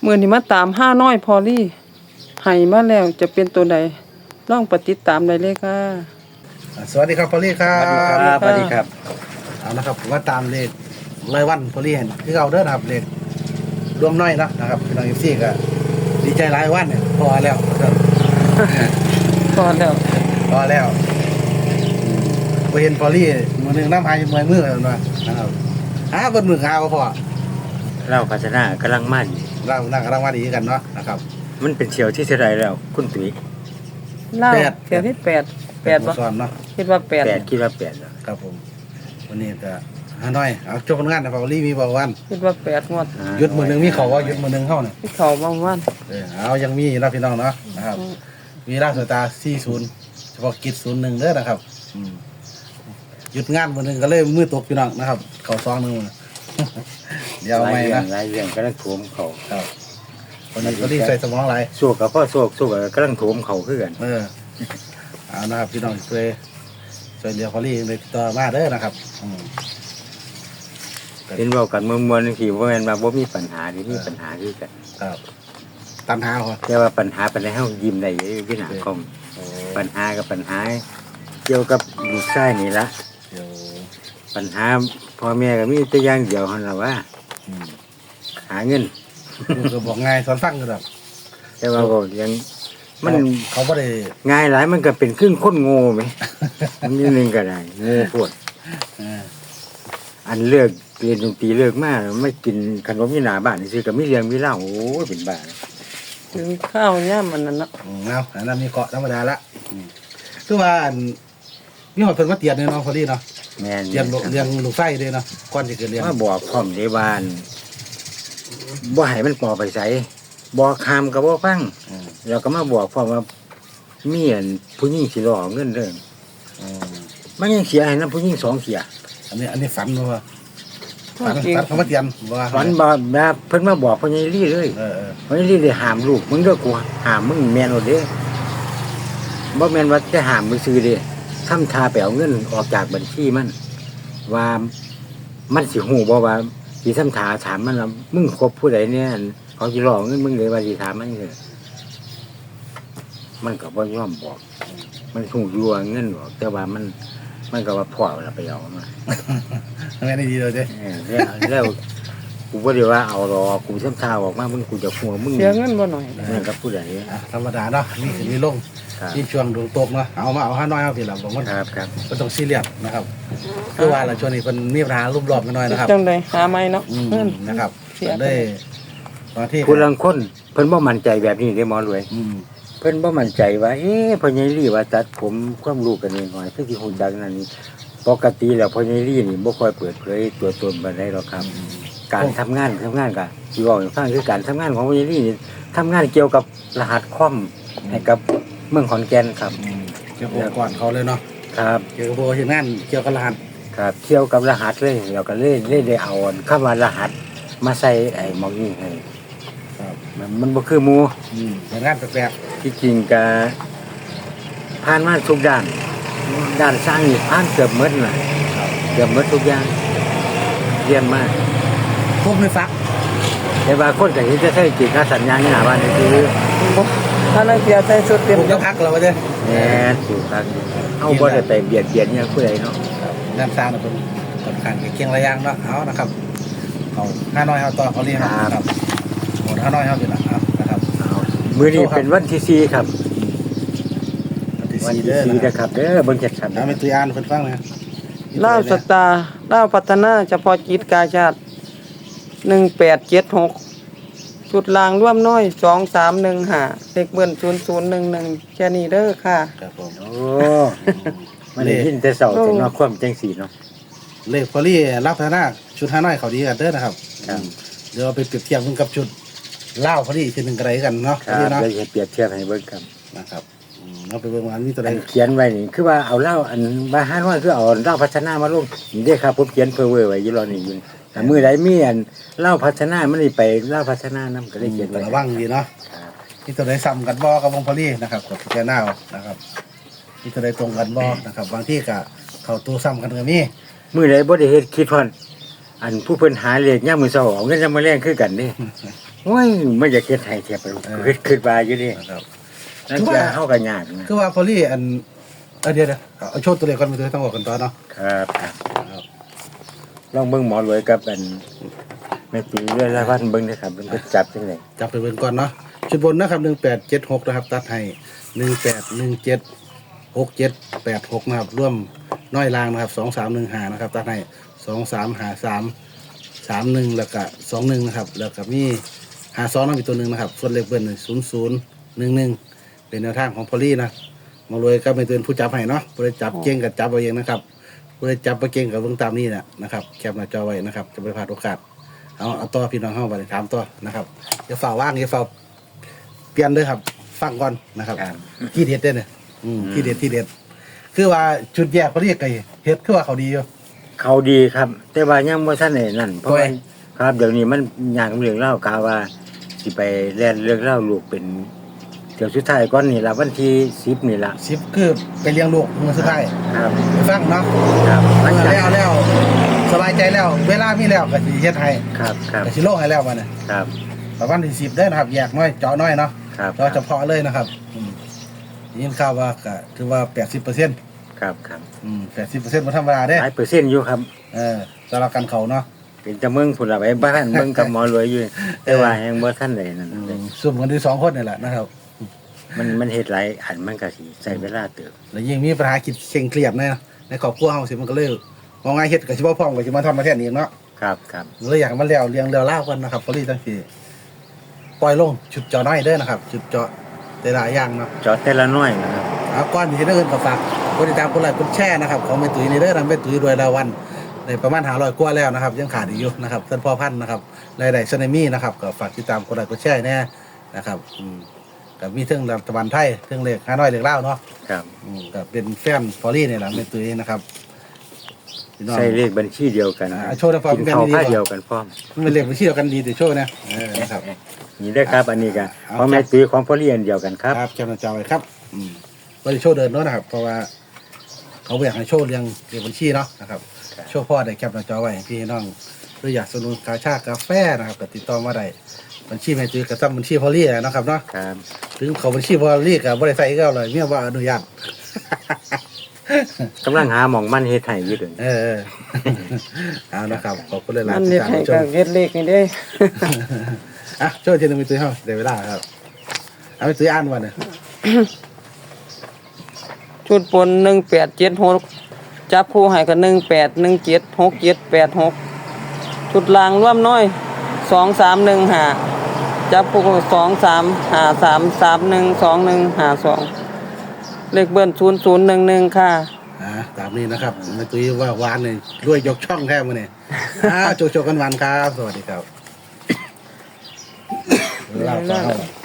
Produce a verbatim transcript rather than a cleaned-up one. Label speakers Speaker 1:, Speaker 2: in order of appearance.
Speaker 1: มื้อนี้มาตามห้าน้อยพอลี่ให้มาแล้วจะเป็นตัวใดลองปฏิดตามได้เลยค่ะ
Speaker 2: สวัสดีครับพอลี่ครั
Speaker 3: สวัสดีครับ
Speaker 2: บ
Speaker 3: สวัสดีครับ
Speaker 2: เอานะครับผมว่าตามเลขรายวันพอลี่เห็นที่เราเด้อนะครับเลขรวมน้อยเนาะนะครับพี่น้องเอฟซีก็ดีใจรายวันเนี่ยพอแล้วครับ
Speaker 1: พอแล้ว
Speaker 2: พอแล้วไปเห็นพอลี่มือหนึ่งน้ำหายมือมือเลยนะนะครับหาบนมือหาก็พอ
Speaker 3: เล่าพัฒนากำลังมั่น
Speaker 2: เรานั่งกำลังว่าดีกันเนาะนะครับ
Speaker 3: มันเป็นเชียวที่เท่าไรแล้ว คุณตุ๋ย
Speaker 1: เล่า
Speaker 2: แปด
Speaker 1: เที่ยวที่แปดแปดบ่
Speaker 2: สอนเนาะ
Speaker 1: คิดว่าแปด
Speaker 3: แปดคิดว่าแปดแล้ว
Speaker 2: ครับผมวันนี้ก็หาน้อยเอาจบผลงานนะพอลี่มีบอกวัน
Speaker 1: คิดว่าแปดงวด
Speaker 2: หยุดมือหนึ่งมีเขาว่าหยุดมือหนึ่งเข้าเนี่ย
Speaker 1: ที่เขาบางวัน
Speaker 2: เออเอายังมีอยู่นะพี่น้องเนาะนะครับ มีราชสตาร์สี่ศูนย์เฉพาะกิจศูนย์หนึ่งเด้อนะครับอืมหยุดงานวันหนึ่งก็เลยมือตกพี่น้องนะครับ เขาซองหนึ่ง เดี๋ยว
Speaker 3: ห
Speaker 2: เอา
Speaker 3: ลาย
Speaker 2: ไหม
Speaker 3: เรื่อง
Speaker 2: นะ
Speaker 3: หลายเรื่องกำลังโถมเขา
Speaker 2: ครับวันนี้ก็รีบใส่สมองไหลาย
Speaker 3: สู้กับพ่อสู้สู้กับกำลังโถมเขาคือกัน
Speaker 2: เออเอานะครับพี่น้องช่วยช่วยเดียวพอลี่เลยติดต่อมาเด้อนะครับอืม
Speaker 3: เห็นเว่ากันมวลมวลที่ว่าแม่นมาบ่มีปัญหาที่มีปัญหาคือกัน
Speaker 2: ครับตันหาเหรอ
Speaker 3: แต่ว่าปัญหาปัญหาเฮายิ้มได้อยู่ที่หน้าคอม
Speaker 2: โอ้
Speaker 3: ปัญหากับปัญหา เกี่ยวกับลูกชายนี่ละ
Speaker 2: เดี๋ยว
Speaker 3: ปัญหาพ่อแม่ก็มีแต่อย่างเดียวหั่นล่ะว่า
Speaker 2: อืม
Speaker 3: หาเงิน
Speaker 2: ก็บอกง่ายสอนฟังกันแบบ
Speaker 3: แต่ว่าก็ยังมัน
Speaker 2: เขาไม่ได้
Speaker 3: ง่ายหลายมันก็เป็นครึ่งคนโง่ไหม มันนิดนึงก็ได้โง่โพด
Speaker 2: เออ
Speaker 3: อันเลิกเรียนดนตรีเลิกมากไม่กินขนมยี่หนาบ้านนี่ซื้อกับมิเลี้ยงมิเหล้าโอ้ยเป็นบ้า
Speaker 1: ถึงข้าวย่ามมันนั่นเนาะ
Speaker 2: อืมเอาอันนั้นมีเกาะธรรมดาละอืมคือว่าอันมีหอดเพิ่นมาเตียนเนี่ยเนาะพอดีเนาะ
Speaker 3: แม่น
Speaker 2: เลี้ยงลูกเลี้ยงลูกไส้ด้วยเนาะก่อนจะเกิดเลี้ยง
Speaker 3: มาบอกพร้อมในบ้านบ่ให้มันปอไปใส่บอกคำกับบ่ฟัง
Speaker 2: อืม
Speaker 3: แล้วก็มาบอกพร้อมว่าเมียนผู้หญิงสิรอเงินเรื่อง
Speaker 2: อืม
Speaker 3: มันยังเสียให้นํผู้หญิงสองเสีย
Speaker 2: อันนี้อันนี้ฝันบ่ว่าฝัน
Speaker 1: จริง
Speaker 2: ฝันเขามาเตียนบ่ว่า
Speaker 3: ฝันบ่แบบเพิ่นมาบอกพ่อใหญ่ลี่เลย
Speaker 2: เออเออ
Speaker 3: พ่อใหญ่ลี่ได้ห้ามลูกมึงเด้อกูห้ามมึงแม่นโอดเด้บ่แม่นว่าจะห้ามมึงซื้อเด้ทำทาไปเอาเงินออกจากบัญชีมัน ว่ามันสิหูบ่ว่าสิทำถาถามมันว่ามึงคบผู้ใดเนี่ยเขาสิหลอกเงินมึงเลยว่าสิถามมันเลยมันก็บ่ยอมบอก มันหูอยู่ว่าเงินบอกแต่ว่ามัน มันก็ว่าพ่อเราไปเอามา
Speaker 2: ทำไมได้ดีเลยเด้
Speaker 3: เออแล้วแล้วกูบ่ได้ว่าเอาหรอกกูทำทาออกมามึงกูจะหัวมึง
Speaker 1: เสียเงินบ่หน่อย
Speaker 3: มันกับผู้ใด
Speaker 2: อ่ะธรรมดาเนาะมีขึ้นมีลง
Speaker 3: ครับ
Speaker 2: มีช่วงดวงตกเนาะเอามาเอาห้าน้อยเอาสิล่ะผมว่า
Speaker 3: ครับครับ
Speaker 2: ก็ต้องซีเรียสนะครับคือว่าเราช่วงนี้เพิ่นมีปัญหารูปรอบกันหน่อยนะครับ
Speaker 1: จังไดหาไม่เนาะ
Speaker 2: อืม
Speaker 1: เงิน
Speaker 2: นะครับ
Speaker 1: เสีย
Speaker 2: ได้บางที่
Speaker 3: ผู้ลังคนเพิ่นบ่มั่นใจแบบนี้ได้หมอรวย
Speaker 2: อืม
Speaker 3: เพิ่นบ่มั่นใจว่า เอ๊ะพ่อใหญ่ลี่ว่าตัดผมความรู้กันนิดหน่อยคือสิฮู้จักนั่นนี่ปกติแล้วพ่อใหญ่ลี่นี่บ่ค่อยเปิดเผยตัวตนปานใดหรอกครับ การทำงานทำงานก็สิเว้าให้ฟังคือการทำงานของพ่อใหญ่ลี่นี่ทำงานเกี่ยวกับรหัสคอมให้กับเมืองขอนแก่นครับ
Speaker 2: อืมเกี่ยวกับก่อนเขาเลยเนาะ
Speaker 3: ครับ
Speaker 2: เกี่ยวกับโบราณงานเกี่ยวกับรหัส
Speaker 3: ครับเกี่ยวกับรหัสเลยแล้วก็เลยเลยได้เอาคำว่ารหัสมาใส่ไอ้หมองนี้ให้
Speaker 2: ครับ
Speaker 3: มันมันบ่คือหมู่
Speaker 2: อืมเป็นงานแปลก
Speaker 3: ที่จริงก็ผ่านมาทุกด้านด้านสร้างนี่ผ่านเกือบหมดน่ะ
Speaker 2: ๆครับ
Speaker 3: เกือบหมดทุกอย่างเยี่ยมมาก
Speaker 2: พวกไม่ฟัก
Speaker 3: แต่ว่าคนก็เห็นจะใช้จิตสัญญาณนี่หน้าบ้านนี่คือ
Speaker 1: ถ้านักเสียใส่สุดเต็ม
Speaker 2: พวกจะพักเราไปเลย
Speaker 3: แหน่ถูกครับเฮาบ่ได้ไปเบียดเบียนเนี่ยผู้ใดเนาะ
Speaker 2: ครับงานสร้างเนี่ยเป็นสำคัญกับเคียงระยางเนาะเอานะครับเอาห้าน้อยเอาต่อเขาเรียกนะครับหมดห้าน้อยเอาอยู่ละเอานะครับ
Speaker 3: เอามื้อนี้เป็นวันที่สี่ครับ
Speaker 2: วันที่
Speaker 3: วัน
Speaker 2: สี่
Speaker 3: ที่
Speaker 2: เด้อ
Speaker 3: สี่
Speaker 2: นะค
Speaker 3: นะ
Speaker 2: รับ
Speaker 3: ครับเด้อเบิ่งชัดๆ
Speaker 2: เอาเป็นตัวอ่านเพิ่นฟังเลย
Speaker 1: ลาวสตาร์ลาวพัฒนาเฉพาะกิจกาชาติหนึ่งแปดเจ็ดหกจุดลางร่วมน้อยสองสามหนึ่งห้าเลขเบิ้ลศูนย์ศูนย์หนึ่งหนึ่งแค่นี้เด้อค่ะ
Speaker 2: ครับผม
Speaker 3: โอ้มันได้ยินแต่เสาร์แต่เนาะความจังสีเนาะ
Speaker 2: เลขพอลี่รับพัฒนาชุดห้าน้อยเขาดีกันเด้อนะครับ
Speaker 3: ครับ
Speaker 2: เดี๋ยวเราไปเปรียบเทียบกันกับชุดเล่าวพอลี่ทีหนึ่งกระไรกันเนาะ
Speaker 3: ค
Speaker 2: พอ
Speaker 3: รับ
Speaker 2: ลี่เนาะ
Speaker 3: เลยเปรียบเทียบให้เบิ่งครับ
Speaker 2: นะครับอืมเราไปเบิ่งว่าอันนี้ตัวใด
Speaker 3: อันเขียนไว้นี่คือว่าเอาเหล้าอันบาห้าน้อยคือเอาเหล้าพัฒนามาลงนี่เด้อครับผมเขียนเพื่อเว้อไว้อยู่รอนี่อยู่แต่มื้อใดมีอันเหล้าพัฒนามันนี่ไปเหล้าพัฒนานำก็เลยเขียนไว้
Speaker 2: ระวังดีเนาะ
Speaker 3: ครับ
Speaker 2: นี่ตัวใดซ้ำกันบ่กับวงพอลี่นะครับกับพิจารณาเอานะครับนี่ตัวใดตรงกันบ่นะครับบางที่ก็เข้าตัวซ้ำกันก็มี
Speaker 3: มื้อใดบ่ได้เฮ็ดคิดฮอดอันผู้เพิ่นหาเลขยามมื้อเช้าเอาเงินยามมื้อแลงคือกันเด้โอ้ยไม่อยากเฮ็ดให้แท้ไปคิดคิดว่าอยู่ดิ
Speaker 2: นะครับ
Speaker 3: นั่นคือเฮาก็ยากนะ
Speaker 2: คือว่าพอลี่อันเออเดี๋ยวเดี๋ยวเอาโชว์ตัวเลขก่อนไปตัวต้องบอกกันต่อเนาะ
Speaker 3: ครับครับลองเบิ่งหมอรวยกับอันแม่ปีเรื่อยละวันเบิ่งนะครับมันก็จับจังได๋
Speaker 2: จับไปเบิ่งก่อนเนาะชุดบนนะครับหนึ่งแปดเจ็ดหกนะครับตัดให้หนึ่งแปดหนึ่งเจ็ดหกเจ็ดแปดหกนะครับร่วมน้อยลางนะครับสองสามหนึ่งหานะครับตัดให้สองสามหาสามสามหนึ่งแล้วก็สองหนึ่งนะครับแล้วก็มีหาสองนั่นมีตัวหนึ่งนะครับส่วนเลขเบิ้ลศูนย์ศูนย์หนึ่งหนึ่งเป็นแนวทางของพอลี่นะมารวยก็เป็นผู้จับให้เนาะผู้ได้จับเก่งกับจับเอาเองนะครับผู้ได้จับไปเก่งกับเบิ่งตามนี้แหละนะครับแคปหน้าจอไว้นะครับจะไม่พลาดโอกาสเอาเอาต่อพี่น้องเข้าไปถามต่อนะครับอย่าฝ่าว่างอย่าฝ่าเปลี่ยนเลยครับฟังก่อนนะครับ
Speaker 3: ครับ
Speaker 2: ที่เด็ดเด้อเนี่ยอืมที่เด็ดที่เด็ดคือว่าจุดแยกพอลี่ไก่เฮ็ดคือว่าเขาดีอยู่
Speaker 3: เขาดีครับ แต่ว่ายังบ่ทันได้นั่นเพราะ
Speaker 2: โอ้
Speaker 3: ว่าย ครับเดี๋ยวนี้มันยากเรื่องเล่ากาว่าสิไปแล่นเรื่องเล่าลูกเป็นเดี๋ยวสุดท้ายก่อนนี่ล่ะวันที่สิบนี่ล่ะ
Speaker 2: สิบคือไปเลี้ยงลูกมือสุดท้าย
Speaker 3: ครับ
Speaker 2: ไปฟังเนาะ
Speaker 3: ครับ
Speaker 2: เอ
Speaker 3: มัน
Speaker 2: อ
Speaker 3: จะ
Speaker 2: แล้วแล้วสบายใจแล้ว เวลามีแล้วก็สิเฮ็ดให้
Speaker 3: ครับครับ
Speaker 2: ก็สิโลกให้แล้วมาเนี่ย
Speaker 3: ครับ
Speaker 2: ประมาณที่สิบได้อนะครับแยกน้อยเจาะน้อยเนาะ
Speaker 3: ครับ
Speaker 2: เจาะเฉพาะเลยนะครับอืมยินข่าวว่าก็ถือว่าแปดสิบเปอร์เซ็นต์
Speaker 3: ครับครับ
Speaker 2: อืมแปดสิบเปอร์เซ็นต์บ่ธรรมดาเด้
Speaker 3: หลายเปอร์เซ็นต์อยู่ครับ
Speaker 2: เออสำหรับการเขาเนาะ
Speaker 3: เป็นจะเมืองพุ่นล่ะไปบ้านเมืองกับหมอรวยอยู่แต่ว่ายังบ่ทันได้นั่น
Speaker 2: อื
Speaker 3: เลย
Speaker 2: มซุ่มกันที่สองคนนี่แหละนะครับ
Speaker 3: มันมันเฮ็ดหลายอันมันก็สิใช้เวลาเติบ
Speaker 2: แล้วยิ่งมีปัญหาคิดเคร่งเครียดในในครอบครัวเฮาสิมันก็เลยมองง่ายเฮ็ดก็สิบ่พร้อมก็สิมาทำมาแทนเองเนาะ
Speaker 3: ครับครับ
Speaker 2: เลยอยากให้มันแล้วเรียงเรียวเล่าวกันนะครับพอลี่ตั้งทีปล่อยลงชุดเจาะน้อยเด้อนะครับชุดเจาะแต่ละอย่างเนาะ
Speaker 3: จอดแต่ละน้อยนะครับ
Speaker 2: เอาก้อนที่ได้เงินก็ฝากกดติดตามกดไลค์กดแชร์นะครับของแม่ตุ้ยนี่เด้อทำแม่ตุ้ยรวยรายวันในประมาณหาร้อยกว่าแล้วนะครับยังขาดอีกอยู่นะครับท่านพ่อพันธุ์นะครับรายได้ซันมี่นะครับก็ฝากติดตามกดไลค์กดแชร์แน่นะครับอืมกับมีเทิงรัฐบาลไทยเทิงเลขห้าน้อยเลขเล่าวเนาะ
Speaker 3: ครับ
Speaker 2: อืมก็เป็นแฟนพอลี่นี่แหละแม่ตุ้ยนะครับพี่น้อง
Speaker 3: ใช้เลขบัญชีเดียวกัน
Speaker 2: อ่าโชว์ได้พร้อม
Speaker 3: กิน
Speaker 2: กัน
Speaker 3: ข้าว
Speaker 2: ดีๆ
Speaker 3: ผ้า
Speaker 2: ก่อน
Speaker 3: เดียวกันพร้อม
Speaker 2: มันเป็นเลขบัญชีเดียวกันดีแต่โชว์นะเออนะครับ
Speaker 3: นี่ได้อครับอันนี้ก็
Speaker 2: เอา
Speaker 3: ของแม่ตีของพ่อเรียนเดียวกันครับ
Speaker 2: ครับแคปหน้าจอไว้ครับอืมบริโชว์เดินเนาะนะครับ เพราะว่าเขาอยากให้โชว์เรียงเรียงบัญชีเนาะนะครับ
Speaker 3: ครับ
Speaker 2: โชว์พ่อได้แคปหน้าจอไว้ให้พี่น้องหรืออยากสนับสนุนกาชาดกาแฟนะครับก็ติดต่อมาได้บัญชีแม่ตื้อกระซ้ำบัญชีพอลี่นะครับเนาะ
Speaker 3: ครับ
Speaker 2: ถึงเขาบัญชีพอลี่กับบริษัทก็เลยเมียว่าอนุญาต
Speaker 3: กำลังหาหม่องมันเฮ็ดให้อยู่เด้อ
Speaker 2: เออเออเอานะครับขอบคุณหลาย
Speaker 1: มั
Speaker 2: ๆ
Speaker 1: น
Speaker 2: ที่
Speaker 1: เฮ็ด
Speaker 2: ตาม
Speaker 1: ให้
Speaker 2: ช
Speaker 1: ก็
Speaker 2: ม
Speaker 1: เฮ็ดเลขนี่เด้
Speaker 2: อ่ะโชว์ทีนึงมีตื้อเฮาเดี๋ยวเวลาครับเอาไปตื้ออ่านวันเนี่ย
Speaker 1: ชุดปนหนึ่งแปดเจ็ดหกจับคู่ให้ก็หนึ่งแปดหนึ่งเจ็ดหกเจ็ดแปดหกชุดลางร่วมน้อยสองสามหนึ่งหาจับคู่สองสามหาสามสามหนึ่งสองหนึ่งหาสองเลขเบิ้ลศูนย์ศูนย์หนึ่งหนึ่งค่ะ
Speaker 2: อ่าตามนี้นะครับแม่ตุ้ยว่าหวานเลยรวยยกช่องแท้มาเนี่ยอ่าโจโจกันหวานครับ สวัสดีครับเล่าต่อครับ